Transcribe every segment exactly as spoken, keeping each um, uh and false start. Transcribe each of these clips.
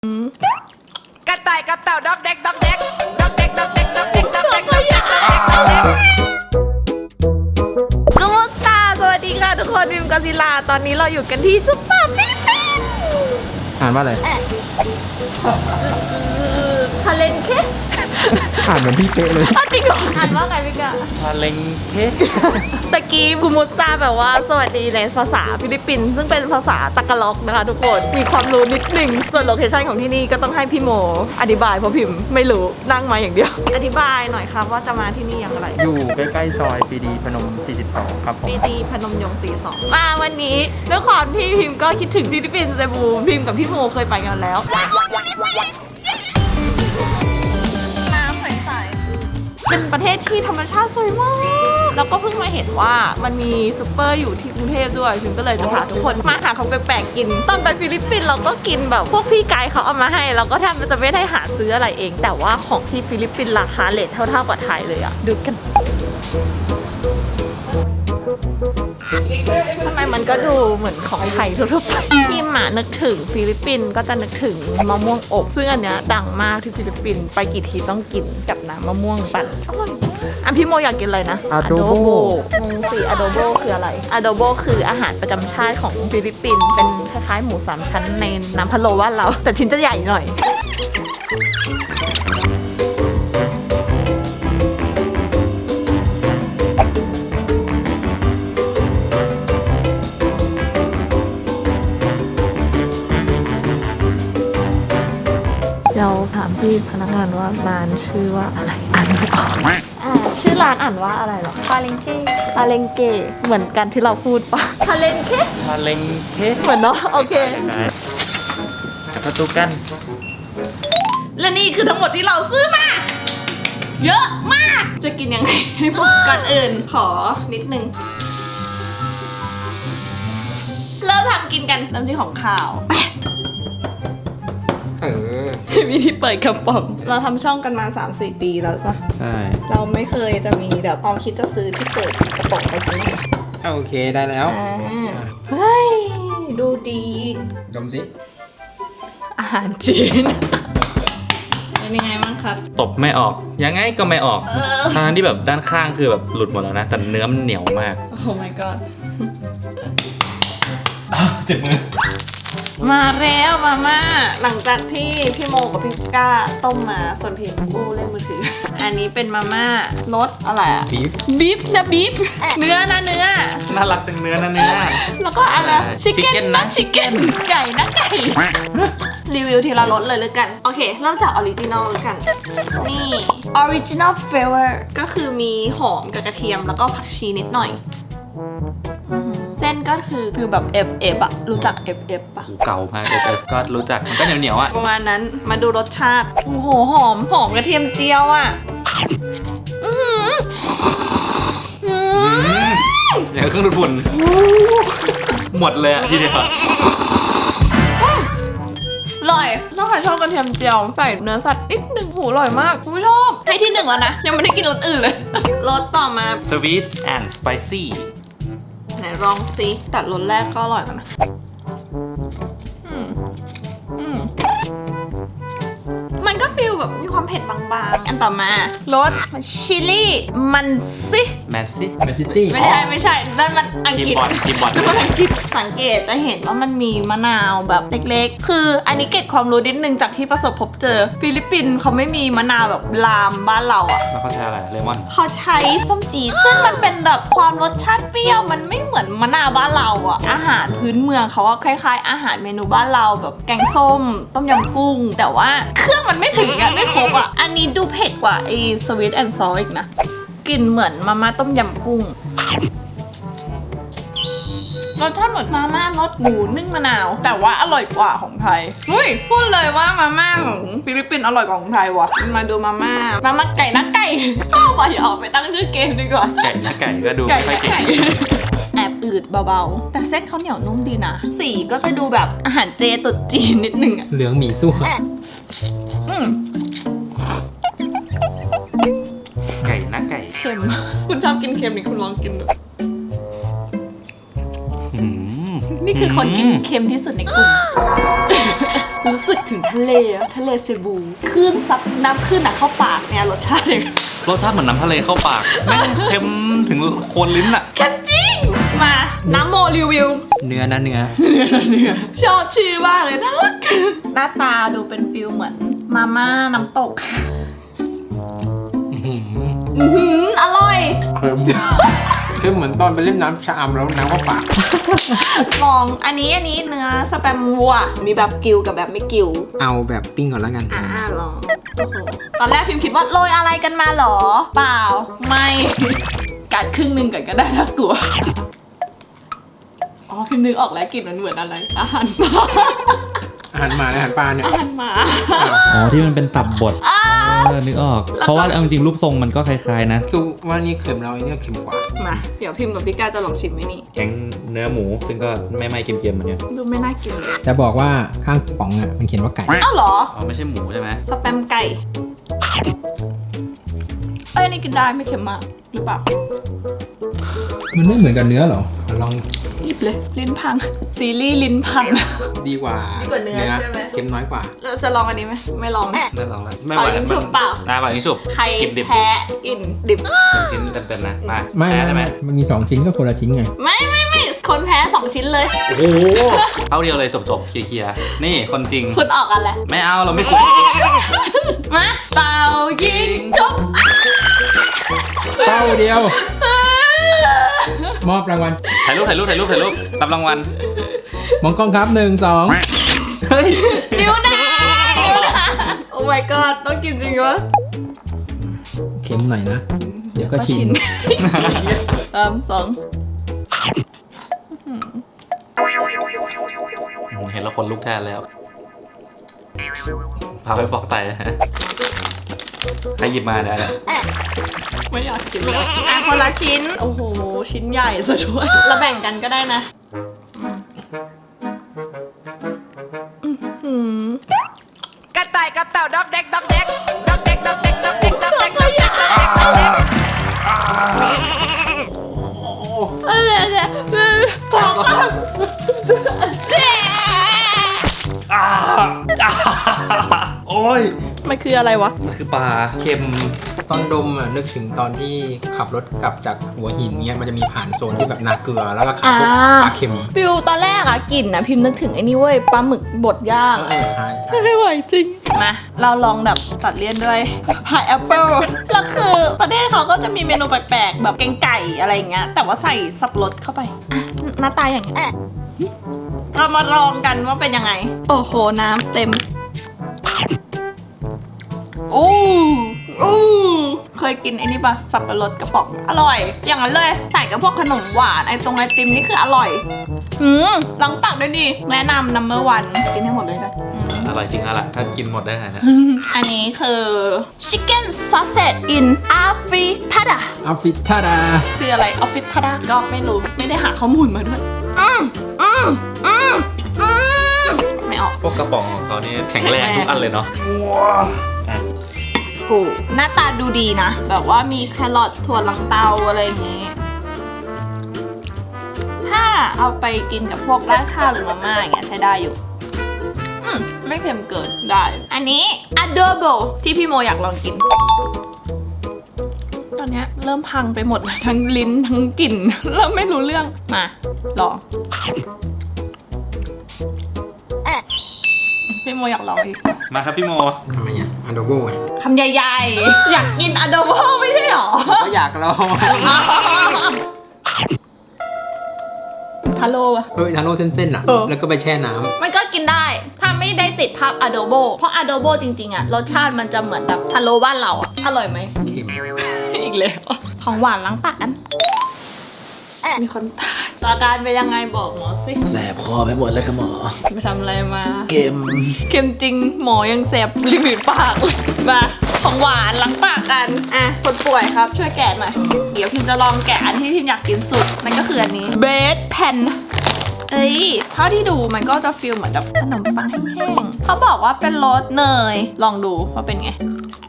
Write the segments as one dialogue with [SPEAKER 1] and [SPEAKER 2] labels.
[SPEAKER 1] กระต่ายกับเต่าดอกเด็กดอกเด็กดอกเด็กดอกเด็กดอกเด็กดอกเด็กดอกเด็กดอกเด็กดอกเด็ก
[SPEAKER 2] กูมุสตาสวัสดีค่ะทุกคนวิมกอซิลาตอนนี้เราอยู่กันที่ซุปเปอร์ฟิลิปปินส์
[SPEAKER 3] อ่านว่าอะไร
[SPEAKER 2] ทาเลนเค
[SPEAKER 3] อ่านเหมือนพี่เป๊ะเลย
[SPEAKER 2] จริงเหรออ่านว่าไงพี่กะ
[SPEAKER 3] ทาเลงเค
[SPEAKER 2] ตะกี้กูมุสตาแบบว่าสวัสดีในภาษาฟิลิปปินส์ซึ่งเป็นภาษาตะกะล็อกนะคะทุกคนมีความรู้นิดหนึ่งส่วนโลเคชั่นของที่นี่ก็ต้องให้พี่โมอธิบายเพราะพิมพ์ไม่รู้นั่งมาอย่างเดียวอธิบายหน่อยครับว่าจะมาที่นี่อย่างไร
[SPEAKER 3] อยู่ใกล้ๆซอยปรีดีพนมสี่สิบสองครับผม
[SPEAKER 2] ปรีดีพนมยงค์สี่สิบสองมาวันนี้ด้วยความที่พิมพ์ก็คิดถึงฟิลิปปินส์เซบูพิมพ์กับพี่โมเคยไปกันแล้วเป็นประเทศที่ธรรมชาติสวยมากแล้วก็เพิ่งมาเห็นว่ามันมีซุปเปอร์อยู่ที่กรุงเทพด้วยฉันก็เลยจะพาทุกคนมาหาของแปลกๆกินตอนไปฟิลิปปินส์เราก็กินแบบพวกพี่ไกด์เขาเอามาให้เราก็แทบจะไม่ได้หาซื้ออะไรเองแต่ว่าของที่ฟิลิปปินส์ราคาเรทเท่าๆกับไทยเลยอะดูกันทำไมมันก็ดูเหมือนของไทยทั่วๆไปที่หมานึกถึงฟิลิปปินส์ก็จะนึกถึงมะม่วงอบซึ่งอันเนี้ยดังมากที่ฟิลิปปินส์ไปกี่ทีต้องกินกับน้ำมะม่วงปั่นอร่อยอันพี่โมอยากกินอะไรนะ
[SPEAKER 3] Adobo
[SPEAKER 2] งงสิ Adobo คืออะไร Adobo คืออาหารประจำชาติของฟิลิปปินส์เป็นคล้ายๆหมูสามชั้นในน้ำพะโล้บ้านเราแต่ชิ้นจะใหญ่หน่อยเราถามพี่พนักงานว่าร้านชื่อว่าอะไรอ่านไม่ออกอ่าชื่อร้านอ่านว่าอะไรหรอปาเลงเก้ปาเลงเก้เหมือนกันที่เราพูดปะปาเลงเก้
[SPEAKER 3] ทาเลงเค
[SPEAKER 2] เหมือนเนาะโอเค
[SPEAKER 3] ประตูกัน
[SPEAKER 2] และนี่คือทั้งหมดที่เราซื้อมาเยอะมากจะกินยังไงให้พวกก่อนอื่นขอนิดนึงเริ่มทำกินกันเริ่มที่ของข้าวไป
[SPEAKER 3] เออ
[SPEAKER 2] วิธีเปิดกระป๋องเราทำช่องกันมา สามสี่ ปีแล้วปะ
[SPEAKER 3] ใช่
[SPEAKER 2] เราไม่เคยจะมีแบบความคิดจะซื้อที่เปิดกระป๋องไปซื้อ
[SPEAKER 3] โอเคได้แล้ว
[SPEAKER 2] เฮ้ยดูดี
[SPEAKER 3] ดมสิ
[SPEAKER 2] อาหารจีนเป็นยังไงบ้างครับ
[SPEAKER 3] ตบไม่ออกยังไงก็ไม่ออกทางที่แบบด้านข้างคือแบบหลุดหมดแล้วนะแต่เนื้อมันเหนียวมาก
[SPEAKER 2] โอ้ my god
[SPEAKER 3] เจ็บมือ
[SPEAKER 2] มาแล้วมาม่าหลังจากที่พี่โมกับพี่ก้าต้มมาส่วนพิมกู้เล่นมือถืออันนี้เป็นมาม่ารสอะไรอะ
[SPEAKER 3] บีฟ
[SPEAKER 2] บีฟนะบีฟเนื้อนะเนื้อ
[SPEAKER 3] น่ารักเป็นเนื้อนะเนื้อ
[SPEAKER 2] แล้วก็อะไรชิคเก้นนะชิคเก้นไก่นะไก่รีวิวทีละรสเลยเลยกันโอเคเริ่มจากออริจินอลเลยกันนี่ออริจินอลเฟเวอร์ก็คือมีหอมกับกระเทียมแล้วก็ผักชีนิดหน่อยเส้นก็คือคือแบบ เอฟ เอฟ อะรู้จัก เอฟ เอฟ ปะ
[SPEAKER 3] เก่ามาก เอฟ เอฟ ก็รู้จักมันก็เหนียวเหนียวอะ
[SPEAKER 2] ประมาณนั้นมาดูรสชาติโอ้โหหอมหอมกระเทียมเจียวอะอือหือ
[SPEAKER 3] อย่างเครื่องดูดฝุ่นหมดเลยอะทีเดียว
[SPEAKER 2] อร่อยถ้าใครชอบกระเทียมเจียวใส่เนื้อสัตว์นิดหนึ่งหูอร่อยมากคุณผู้ชมให้ที่หนึ่งแล้วนะยังไม่ได้กินรสอื่นเลยรสต่อมา
[SPEAKER 3] Sweet and Spicy
[SPEAKER 2] ไหนลองซิแต่รสแรกก็อร่อยแล้วนะอืมอืมมันก็ฟีลแบบมีความเผ็ดบางๆอันต่อมารสชิลลี่มันซิ
[SPEAKER 3] แมนซี่แมนซิตี้
[SPEAKER 2] ไม่ใช่ไม่ใช่นั่นมันอังกฤษ
[SPEAKER 3] จิบบอล
[SPEAKER 2] นั่นมันอังกฤษสังเกตจะเห็นว่ามันมีมะนาวแบบเล็กๆคืออันนี้เก็บความรู้นิดนึงจากที่ประสบพบเจอฟิลิปปินส์เขาไม่มีมะนาวแบบลามบ้านเราอ่ะ
[SPEAKER 3] แล้วเขาใช้อะไรเลมอน
[SPEAKER 2] เขาใช้ส้มจี๊ดซึ่งมันเป็นแบบความรสชาติเปรี้ยวมันไม่เหมือนมะนาวบ้านเราอ่ะอาหารพื้นเมืองเขาคล้ายๆอาหารเมนูบ้านเราแบบแกงส้มต้มยำกุ้งแต่ว่าเครื่องมันไม่ถึงอะไม่ครบอ่ะอันนี้ดูเผ็ดกว่าไอ้สวีทแอนด์ซอสอีกนะกลิ่นเหมือนมาม่าต้มยำกุ้งรสชาติเหมือนมาม่ารสหมูนึ่งมะนาวแต่ว่าอร่อยกว่าของไทยเฮ้ยพูดเลยว่ามาม่าของฟิลิปปินส์อร่อยกว่าของไทยว่ะมาดูมาม่ามาม่าไก่นะไก่ชอบว่ะอย่าออกไปตั้งชื่อเกมดีกว่า
[SPEAKER 3] ไก่นะไก่ก็ดูไม่ค่อยเก่ง
[SPEAKER 2] แอบอืดเบาๆแต่เส้นเขาเหนียวนุ่มดีนะสีก็จะดูแบบอาหารเจตุ๊ดจีนนิดนึงอะ
[SPEAKER 3] เหลืองหมี่ซั่ว
[SPEAKER 2] อืม
[SPEAKER 3] ไก่นะไก่
[SPEAKER 2] เค็มคุณชอบกินเค็มนี่คุณลองกินดูนี่คือคนกินเค็มที่สุดในกลุ่มรู้สึกถึงทะเลอะทะเลเซบูคลื่นซับน้ำคลื่นอะเข้าปากเนี่ยรสชาติเลย
[SPEAKER 3] รสชาติเหมือนน้ำทะเลเข้าปากแม่งเค็มถึงโคนลิ้นอะ
[SPEAKER 2] แค่จริงมาน้ำโมรีวิว
[SPEAKER 4] เนื้อนะเนื้อ
[SPEAKER 2] ชอบชื่อมากเลยน่ารักหน้าตาดูเป็นฟิลเหมือนมาม่าน้ำตก
[SPEAKER 4] อื้อหือ
[SPEAKER 2] อื้อหืออร่อย
[SPEAKER 4] เค็มคือเหมือนตอนไปเล่นน้ำชะอำแล้วน้ำเข้าปาก
[SPEAKER 2] ลองอันนี้อันนี้เนื้อสแปมวัวมีแบบกิวกับแบบไม่กิว
[SPEAKER 4] เอาแบบปิ้งก่อนแล้วกัน
[SPEAKER 2] อ่าลองโอ้โหตอนแรกพิมพ์คิดว่าโรยอะไรกันมาหรอ เปล่าไม่กัดครึ่งหนึ่งก่อนก็ได้น่ากลัวอ๋อพิมพ์นึกออกแล้วกลิ่นมันเหมือนอะไรอาหารหมา
[SPEAKER 4] อาหารหมาและอาหารปลาเนี่ย
[SPEAKER 2] อาหารหมา
[SPEAKER 3] อ๋อที่มันเป็นตับบดเออนึกออก เพราะว่าเอาจริงๆรูปทรงมันก็คล้ายๆนะ
[SPEAKER 4] คือว่านี่เค็มแล้วไอ้เนี่ยเค็มกว่า
[SPEAKER 2] มาเดี๋ยวพิมพ์กับพี่ก้าจะลองชิมไหมนี่
[SPEAKER 3] แกงเนื้อหมูซึ่งก็ไม่ไหม้เค็มๆเหมือนกัน
[SPEAKER 2] ดูไม่น่ากินเลย
[SPEAKER 4] จะบอกว่าข้างป๋องอ่ะมันเขียนว่าไก่
[SPEAKER 2] อ้าวเหรอ
[SPEAKER 3] อ๋อไม่ใช่หมูใช่ไหม
[SPEAKER 2] สแปมไก่เอ้ยนี่กินได้ไม่เค็มมากหรือเปล่า
[SPEAKER 4] มันไม่เหมือนกับเนื้อเหรอขอลอง
[SPEAKER 2] หยิบเลยลิ้นพังซีรีส์ลิ้นพัง
[SPEAKER 4] ดีกว่า
[SPEAKER 2] ดีกว่าเนื้อใช่ไหม
[SPEAKER 4] เค็มน้อยกว่า
[SPEAKER 2] เราจะลองอันนี้ไหมไม่ลอง
[SPEAKER 3] ไม่ลองแล้วไม่
[SPEAKER 2] เป่า
[SPEAKER 3] ไหว
[SPEAKER 2] ยิงฉุบเปล่า
[SPEAKER 3] ได้เปล่ายิงฉุบ
[SPEAKER 2] ใคร
[SPEAKER 3] กินดิบ
[SPEAKER 2] แพ้กินดิบ
[SPEAKER 3] กินเต็มๆนะมา
[SPEAKER 4] ไม่
[SPEAKER 3] แพ้
[SPEAKER 4] ไม่
[SPEAKER 3] ใช่ไหม
[SPEAKER 4] ไม่มันมีสองชิ้นก็คนละชิ้นไง
[SPEAKER 2] ไม่ไม่ไม่คนแพ้สองชิ้นเลย
[SPEAKER 3] โอ้โหเอาเดียวเลยจบๆเคลียร์ๆนี่คนจริง
[SPEAKER 2] คุณออกกันแหละ
[SPEAKER 3] ไม่เอาเราไม่คุย
[SPEAKER 2] มาเป่ายิงฉุบ
[SPEAKER 4] เป้าเดียว มอบรางวัล
[SPEAKER 3] ถ่ายรูปถ่ายรูปถ่ายรูปถ่ายรูปรับรางวัล
[SPEAKER 4] มองกล้องครับหนึ่งสอง
[SPEAKER 3] เฮ้ย
[SPEAKER 2] นิ้วหน้านิ้วหน้าโอ้ my god ต้องกินจริงวะ
[SPEAKER 4] เค็มหน่อยนะ เดี๋ยวก็ชิน
[SPEAKER 2] สามสอง
[SPEAKER 3] เห็นแล้วคนลุกแทนแล้วพาไปฟอกไตนะใครหยิบมาเนี่ย
[SPEAKER 2] ไม่อยากกินเลยอ่ะคนละชิ้น โอ้โห ชิ้นใหญ่ซะด้วยเราแบ่งกันก็ได้นะอื้อหือก
[SPEAKER 1] ระต่ายกับเต่าดอกเด็กดอกเด็กดอกเด็กดอกเด็กดอกเด็กดอกเด็กดอกเด็กดอกเด็กดอกเด็ก
[SPEAKER 2] อะไรเนี่ยพอกัน
[SPEAKER 3] อ่าอ่าโอ้ย
[SPEAKER 2] มันคืออะไรวะ
[SPEAKER 3] มันคือปลาเค็ม
[SPEAKER 4] ตอนดมอ่ะนึกถึงตอนที่ขับรถกลับจากหัวหินเนี้ยมันจะมีผ่านโซนที่แบบนาเกลือแล้วก็ขายพวก
[SPEAKER 2] อ่า
[SPEAKER 4] ปลาเค็ม
[SPEAKER 2] ฟิวตอนแรกอะกลิ่นอะพิมพ์นึกถึงไอ้นี่เว้ยปลาหมึกบดย่าง
[SPEAKER 4] เออใช่ใช่
[SPEAKER 2] ไม่ไหวจริงมาเราลองแบบตัดเลี่ยนด้วยพายแอปเปิลแล้วคือประเทศเขาก็จะมีเมนูแปลกๆแบบแกงไก่อะไรอย่างเงี้ยแต่ว่าใส่สับปะรดเข้าไปอ่ะหน้าตาอย่างเงี้ยเรามาลองกันว่าเป็นยังไง โอ้โหน้ำเต็มโอ้โอ้เคยกินไอ้นี่ปะสับปะรดกระป๋องอร่อย อย่างนั้นเลยใส่กับพวกขนมหวานไอ้ตรงไอติมนี่คืออร่อยอืมล้างปากด้วยดิแนะนำนัมเบอร์วันกินให้หมดเลยนะอืม
[SPEAKER 3] อร่อยจริงอะล่ะถ้ากินหมดได้ขนาดนี้
[SPEAKER 2] อันนี้คือ chicken sausage in afritada
[SPEAKER 4] อัฟฟิทาดา
[SPEAKER 2] คืออะไร afritada ก็ไม่รู้ไม่ได้หาข้อมูลมาด้วย อืมอืมอืมอืมไม่ออก
[SPEAKER 3] พวกกระป๋องของเขานี่แข็งแรงทุกอันเลยเนาะ
[SPEAKER 2] โหหน้าตาดูดีนะ แบบว่ามีแครอทถั่วลังเตาอะไรอย่างนี้ ถ้าเอาไปกินกับพวกราดข้าวหรือมาม่าอย่างเงี้ยใช้ได้อยู่ อืมไม่เค็มเกินได้ อันนี้ adobo ที่พี่โมอยากลองกิน ตอนเนี้ยเริ่มพังไปหมดเลยทั้งลิ้นทั้งกลิ่น เริ่มไม่รู้เรื่อง มาลองพี่โมอยากลองอีก
[SPEAKER 3] มาครับพี่โม
[SPEAKER 4] ทำไมอ่ะอันโดโบไง
[SPEAKER 2] คำใหญ่ๆ อยากกิน adobo ไม่ใช่หรอ
[SPEAKER 4] ก็อยากลอง
[SPEAKER 2] ทาโร่อะ
[SPEAKER 4] เออทาโร่เส้นๆอ่ะ
[SPEAKER 2] เออ
[SPEAKER 4] แล้วก็ไปแช่น้ำ
[SPEAKER 2] มันก็กินได้ ถ้าไม่ได้ติดภาพ adobo เพราะ adobo จริงๆอะรสชาติมันจะเหมือนแบบทาโร่บ้านเราอะอร่อยไหม
[SPEAKER 4] เค็ม
[SPEAKER 2] อีกแล้ว ของหวานล้างปากกัน มีคนตายอาการเป็นยังไงบอกหมอสิ
[SPEAKER 1] แสบคอไปหมดเลยค่ะหมอ
[SPEAKER 2] ไปทำอะไรมา
[SPEAKER 1] เค็ม
[SPEAKER 2] เค็มจริงหมอยังแสบริมฝีปากเลยมาของหวานล้างปากกัน อ่ะ คนป่วยครับช่วยแกะหน่อย เดี๋ยวพิมจะลองแกะอันที่พิมอยากกินสุด นั่นก็คืออันนี้เบสแผ่นเอ้ยเท่าที่ดูมันก็จะฟีลเหมือนแบบขนมปังแห้งๆเขาบอกว่าเป็นรสเนย ลองดูว่าเป็นไง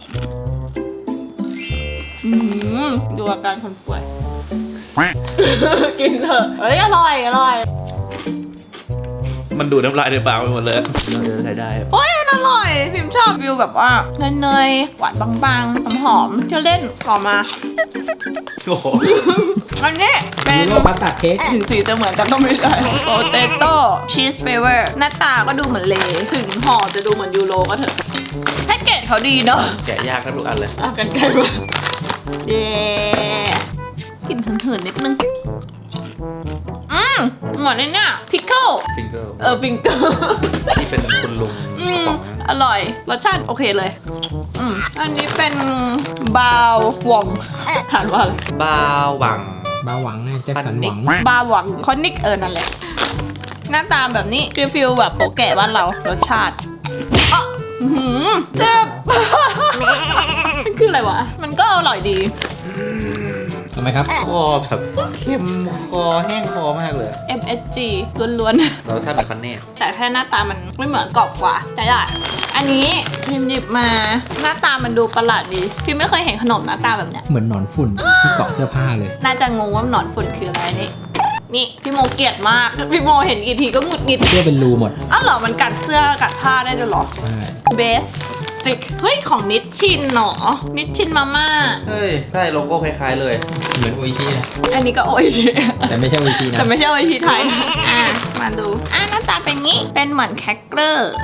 [SPEAKER 2] อืมดูอาการคนป่วย กินเถอะเฮ้ยอร่อยอร่อย
[SPEAKER 3] มันดูดน้ำลายในปากไปหมดเลยเออใช้ได้
[SPEAKER 2] โอ้ยมันอร่อย พิมชอบวิวแบบว่าเนยๆหวานบางๆหอมๆเที่ยวเล่นต่อมา
[SPEAKER 3] โอ้โห
[SPEAKER 2] อันนี้เป็น
[SPEAKER 4] ยูโรพาสต้าเค้ก
[SPEAKER 2] ถึงสีจะเหมือนกันก็ไม่ได้โปเตโต้ชีสเฟเวอร์หน้าตาก็ดูเหมือนเลถึงห่อจะดูเหมือนยูโรก็เถอะแพ็กเกจเขาดีเนาะ
[SPEAKER 3] แกะยากทั้งทุกอันเลย
[SPEAKER 2] อ่ะกันไกลมาเย้กลิ่นเหินๆนิดนึงอืมเหมือนไอ้เนี่ยพิคเกิล
[SPEAKER 3] ฟิงเกิล
[SPEAKER 2] เออพิงเกิล
[SPEAKER 3] ที่เป็นคุณลุง
[SPEAKER 2] อื
[SPEAKER 3] กระ
[SPEAKER 2] ม
[SPEAKER 3] ป๋องนะ
[SPEAKER 2] อร่อยรสชาติโอเคเลยอืมอันนี้เป็นบาววองอ่านว่าอะไร
[SPEAKER 3] บาวหวัง
[SPEAKER 4] บาหวังไงแจ็คสันหวัง
[SPEAKER 2] บาหวังคอนิกเออนั่นแหละหน้าตาแบบนี้ฟิลฟิลแบบโกแก่บ้านเรารสชาติอ๊ะอื้อหือเจ็บ มันคืออะไรวะ มันก็อร่อยดี
[SPEAKER 4] ทำไมครับ
[SPEAKER 3] คอแบบเค็มคอแห้งคอมากเลย
[SPEAKER 2] เอ็ม เอส จี ล้วน
[SPEAKER 3] รสชาติเหมือนคอนเน่
[SPEAKER 2] ๆ แต่แค่หน้าตามันไม่เหมือนกรอบกว่าแต่ได้อันนี้พิมหยิบมาหน้าตามันดูประหลาดดีพิมไม่เคยเห็นขนมหน้าตาแบบเนี้ย
[SPEAKER 4] เหมือนหนอนฝุ่นที่เกาะเสื้อผ้าเลย
[SPEAKER 2] น่าจะงงว่าหนอนฝุ่นคืออะไรนี่นี่พี่โมเกลียดมากพี่โมเห็นกี่ทีก็หงุดหงิด
[SPEAKER 4] เสื้อเป็นรูหมด
[SPEAKER 2] อ้าวเหรอมันกัดเสื้อกัดผ้าได้ด้วยเหรอ
[SPEAKER 4] ใช่
[SPEAKER 2] เบสติกเฮ้ยของนิชชินเนาะนิชชินมาม่า
[SPEAKER 3] เฮ้ย ใช่โลโก้คล้ายๆเลย
[SPEAKER 4] เหมือนโออิชินะ
[SPEAKER 2] อันนี้ก็โออิชิ
[SPEAKER 4] แต่ไม่ใช่โออิชินะ
[SPEAKER 2] แต่ไม่ใช่โออิชิไทยอ่ะมาดูอ่ะหน้าตาเป็นงี้เป็นเหมือนแคคเกอร์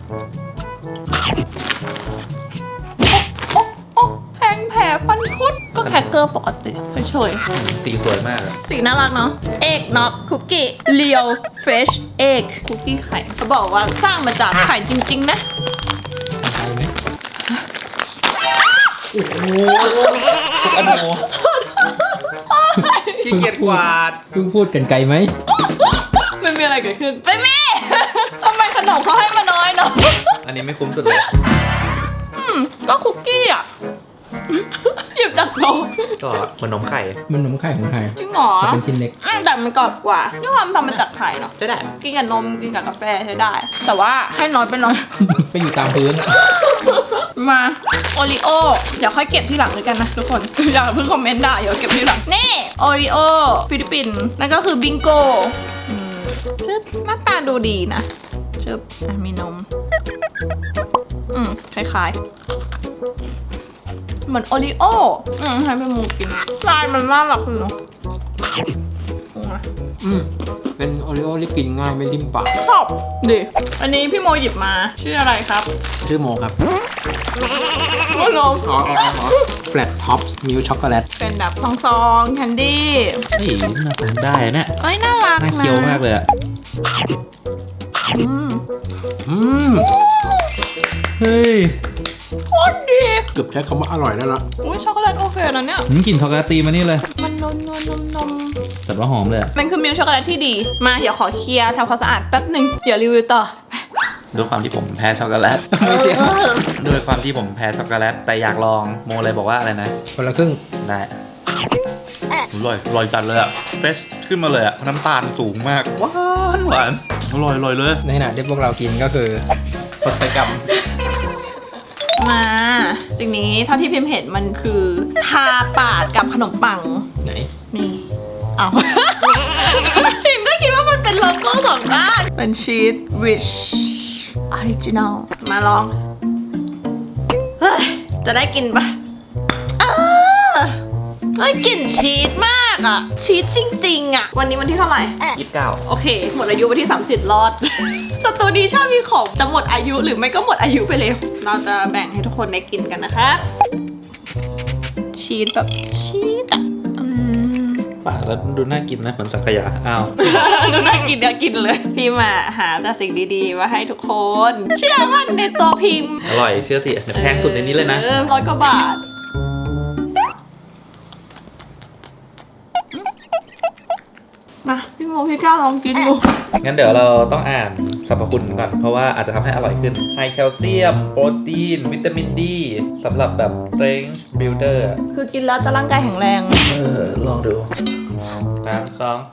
[SPEAKER 2] โอ๊ะโอ๊ะแทงแผลฟันคุดก็แคคเกอร์ปกติเฉยๆ
[SPEAKER 3] สีสวยมากอะ
[SPEAKER 2] สีน่ารักเนาะ เอกน็อกคุกกี้เลียวเฟชเอกคุกกี้ไข่เขาบอกว่าสร้างมาจากไข่จริง ๆ นะ
[SPEAKER 4] ใช่ไหม
[SPEAKER 3] โอ้โหอโนขี้เกียจกวาด
[SPEAKER 4] เพิ่งพูดกันไกลไหม
[SPEAKER 2] ไม่มีอะไรเกิดขึ้น ไม่มี ทำไมขนมเขาให้มาน้อยเนาะ
[SPEAKER 3] อันนี้ไม่คุ้มสุดเลย
[SPEAKER 2] อืมก็คุกกี้อ่ะ หยิบจากโต๊ะ
[SPEAKER 3] ก็เหมือนนมไข่
[SPEAKER 4] มันนมไข่ของไทย
[SPEAKER 2] จริงเหรอ
[SPEAKER 4] แต่เป็นชิ้นเล็ก
[SPEAKER 2] อืมแต่มันกรอบกว่าด้วยความทำมาจากไข่เนาะ
[SPEAKER 3] ใช่ได้
[SPEAKER 2] กินกับนมกินกับกาแฟใช้ได้ แต่ว่าให้น้อยไปหน่อย
[SPEAKER 4] ไปอยู่ตามพื้นอะ
[SPEAKER 2] มาโอริโอเดี๋ยวค่อยเก็บที่หลังเลยกันนะทุกคน อย่าเพิ่งคอมเมนต์ด่าเดี๋ยวเก็บที่หลัง นี่โอริโอฟิลิปปินส์นั่นก็คือบิงโกอืมชึบหน้าตาดูดีนะชึบอ่ะมีนม อืมคล้ายๆ เหมือนโอริโออืมให้เป็นมูกินลายมันน่ารักเลยเนาะอืม
[SPEAKER 4] อืมเป็นโอริโอที่กินง่ายไม่ริมปาก
[SPEAKER 2] ชอบดิอันนี้พี่โมหยิบมาชื่ออะไรครับ
[SPEAKER 4] ชื่อโมครับ
[SPEAKER 2] โมโนม
[SPEAKER 4] อ๋ออ๋ออ๋อ Flat Tops Milk Chocolate
[SPEAKER 2] เป็นแบบซองๆแคนดี้
[SPEAKER 3] นี่น่าทานได้เนี่ย
[SPEAKER 2] เอ้ยน่ารัก
[SPEAKER 3] น่า
[SPEAKER 2] นะ
[SPEAKER 3] เคี้ยวมากเลยอะ
[SPEAKER 2] อืม
[SPEAKER 4] อืม
[SPEAKER 3] เฮ้ย
[SPEAKER 2] โคตรดี
[SPEAKER 4] เกือบใช้คำว่าอร่อยได้ละ
[SPEAKER 2] อุ้ยช็อกโกแลตโอเคนะเนี่ย
[SPEAKER 3] ผมกลิ่นช็อกโกแลตตีมานี่เลย
[SPEAKER 2] มันนมนมนมนม
[SPEAKER 3] แต่ว่าหอมเลยอะ
[SPEAKER 2] มันคือมิลค์ช็อกโกแลตที่ดี มาเดี๋ยวขอเคลียร์ทำความสะอาดแป๊บหนึ่งเดี๋ยวรีวิวต่อ
[SPEAKER 3] ด้วยความที่ผมแพ้ช็อกโกแลต ด้วยความที่ผมแพ้ช็อกโกแลตแต่อยากลองโมเลยบอกว่าอะไรนะ
[SPEAKER 4] คนละครึ่ง
[SPEAKER 3] ได้อร่อยอร่อยจัดเลยอะเฟสขึ้นมาเลยอะน้ำตาลสูงมากหวานหวานอร่อยอร่อยเลย
[SPEAKER 4] ในขณะที่พวกเรากินก็คือ
[SPEAKER 3] ปัจจัยกรรม
[SPEAKER 2] มาสิ่งนี้เท่าที่พิมพ์เห็นมันคือทาปากกับขนมปัง
[SPEAKER 4] ไหน
[SPEAKER 2] นี่เอา พิมก็คิดว่ามันเป็นโลโก้สองด้าน เป็นชีส rich original มาลอง เฮ้ย จะได้กินปะเออเฮ้ยกลิ่นชีสมากอะชีสจริงๆอะวันนี้วันที่เท่าไหร่
[SPEAKER 3] ยี่สิบเก้า
[SPEAKER 2] โอเค หมดอายุวันที่สามสิบรอด สตูดีชอบมีของจะหมดอายุหรือไม่ก็หมดอายุไปเร็ว เราจะแบ่งให้ทุกคนได้กินกันนะคะ ชีสแบบชีสอ่ะอืม
[SPEAKER 3] ปากแล้วดูน่ากินนะเหมือนสังขยาอ้าว
[SPEAKER 2] ดูน่ากินเดี๋ยวกินเลย พี่มาหาแต่สิ่งดีๆมาให้ทุกคน เชื่อมั่นในตัวพิมพ์
[SPEAKER 3] อร่อยเชื่อสิเดี๋ยวแพงสุดในนี้เลยนะ
[SPEAKER 2] ออร้อยกว่าบาท มาพี่โมพี่ก้าวลองกินดู
[SPEAKER 3] งั้นเดี๋ยวเราต้องอ่านสรรพคุณก่อน เพราะว่าอาจจะทำให้อร่อยขึ้นไฮแคลเซียม โปรตีน วิตามินดีสำหรับแบบ strength builder อะ
[SPEAKER 2] คือกินแล้วจะร่างกายแข็งแรง
[SPEAKER 3] เออ ลองดูสามสอง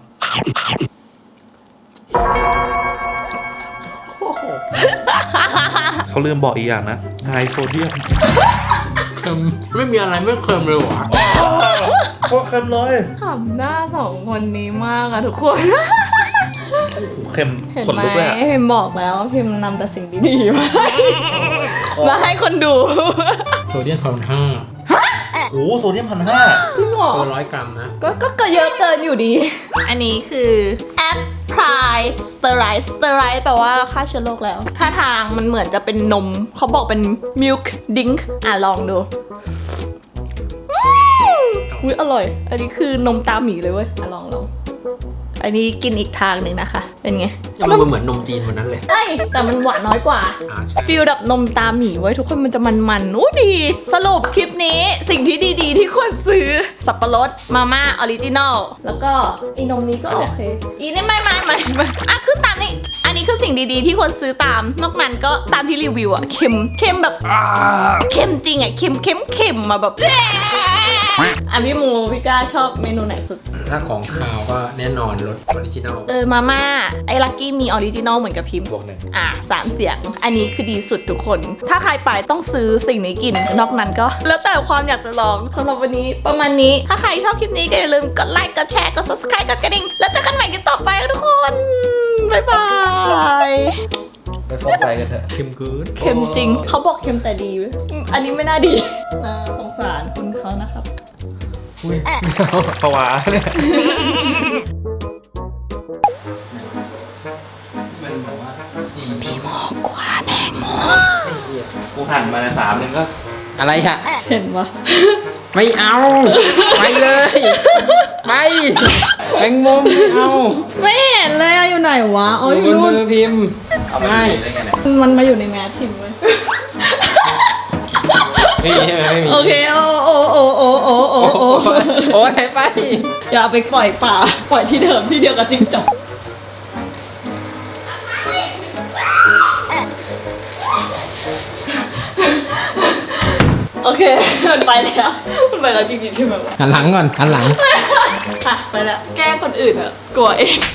[SPEAKER 3] เขาลืมบอกอีกอย่างนะไฮโซเดียม
[SPEAKER 4] เค็มไม่มีอะไรไม่เค็มเลยวะ
[SPEAKER 3] โคตรเค็มเลย
[SPEAKER 2] ขำหน้าสองคนนี้มากอะทุกคน
[SPEAKER 3] เค็ม
[SPEAKER 2] เห็น
[SPEAKER 3] ขน
[SPEAKER 2] ไหม
[SPEAKER 3] ลุกเลยอะ
[SPEAKER 2] พิมบอกแล้วว่าพิมนำแต่สิ่งดีๆมามาให้คนดู
[SPEAKER 4] โซเดียมพันห้า
[SPEAKER 3] โอ้โหโซเดียมพันห้า
[SPEAKER 2] จริงเหรอ
[SPEAKER 4] ตัวร้อยกรัมนะ
[SPEAKER 2] ก็ก็ก็เยอะเกินอยู่ดี อันนี้คือแอปพลายสเตอไรส์สเตอไรส์แปลว่าฆ่าเชื้อโรคแล้วท่าทางมันเหมือนจะเป็นนม เขาบอกเป็น milk drink อ่ะลองดูอืมอุ้ยอร่อย อันนี้คือนมตาหมีเลยเว้ยอ่ะลองลองอันนี้กินอีกทางหนึ่งนะคะ เป็นไง
[SPEAKER 4] ยังมันเหมือนนมจีนวันนั้นเลย
[SPEAKER 2] เอ้ยแต่มันหวานน้อยกว่า
[SPEAKER 4] อ่าใช่
[SPEAKER 2] ฟิลแบบนมตาหมีไว้ยทุกคนมันจะมันๆอู้ดี สรุปคลิปนี้สิ่งที่ดีๆ ที่ควรซื้อ สับปะรดมาม่าออริจินอลแล้วก็ไอ้นมนี้ก็โอเค อีนี่ไม่ไม่ไม่ไม่อ่ะคือตามนี้ อันนี้คือสิ่งดีๆ ที่ควรซื้อตาม นอกนั้นก็ตามที่รีวิวอะเค็มเค็มแบบเค็มจริงอะเค็มเค็มเค็มมาแบบอ่ะพี่มูพี่ก้าชอบเมนูไหนสุด
[SPEAKER 4] ถ้าของข้าวก็แน่นอนรสออริจินอล
[SPEAKER 2] เออมาม่าไอ้ลักกี้มีออริจินอลเหมือนกับพิมพ์
[SPEAKER 3] บวกหนึ่ง
[SPEAKER 2] อ่ะสามเสียง อันนี้คือดีสุดทุกคน ถ้าใครไปต้องซื้อสิ่งนี้กิน นอกนั้นก็ แล้วแต่ความอยากจะลองสำหรับวันนี้ประมาณนี้ ถ้าใครชอบคลิปนี้ก็อย่าลืมกดไลค์ กดแชร์ กด subscribe กดกระดิ่ง แล้วเจอกันใหม่กันต่อไปทุกคน บ๊ายบาย
[SPEAKER 3] ไปฟอกไตกันเถอะ
[SPEAKER 4] เค็มเกิน
[SPEAKER 2] เค็มจริง เขาบอกเค็มแต่ดีเว้ยอืมอันนี้ไม่น่าดีน่าสงสารคุณเขานะครับ
[SPEAKER 3] อุ้ยภาวะเนี่ย
[SPEAKER 4] มันบอกว่าสี่พี่โม
[SPEAKER 2] กว่าแม่ง
[SPEAKER 3] กูหั่นมาในสามหนึงก็
[SPEAKER 4] อะไรอะ
[SPEAKER 2] เห็นปะ
[SPEAKER 4] ไม่เอา ไปเลยไปแมงมุมไม่เอา
[SPEAKER 2] ไม่เห็นเลยอะอยู่ไหนวะ อ๋อ
[SPEAKER 4] อ
[SPEAKER 2] อยู่ ยู่
[SPEAKER 4] บน
[SPEAKER 2] นู่น
[SPEAKER 4] มือพิมพ์
[SPEAKER 3] เอาไป
[SPEAKER 4] ไม่
[SPEAKER 3] ได้ไงเนี่ย
[SPEAKER 2] มันมาอยู่ในแมสทิมเว้ย
[SPEAKER 4] ไม่มีใช่ไหมไม่มี
[SPEAKER 2] โอเค โอ้โอ้โอ้โอ้โอ้โอ้
[SPEAKER 4] โอ้
[SPEAKER 2] โอ้
[SPEAKER 4] โอ้ยไป
[SPEAKER 2] อย่าเอาไปปล่อยป่า ปล่อยที่เดิมที่เดียวกับจิ้งจกโอเค มันไปแล้ว มันไปแล้วจริงๆใช่ไหมวะ
[SPEAKER 4] หันหลังก่อนหันหลัง
[SPEAKER 2] อ่ะไปแล้ว แกล้งคนอื่นอะกลัวเอง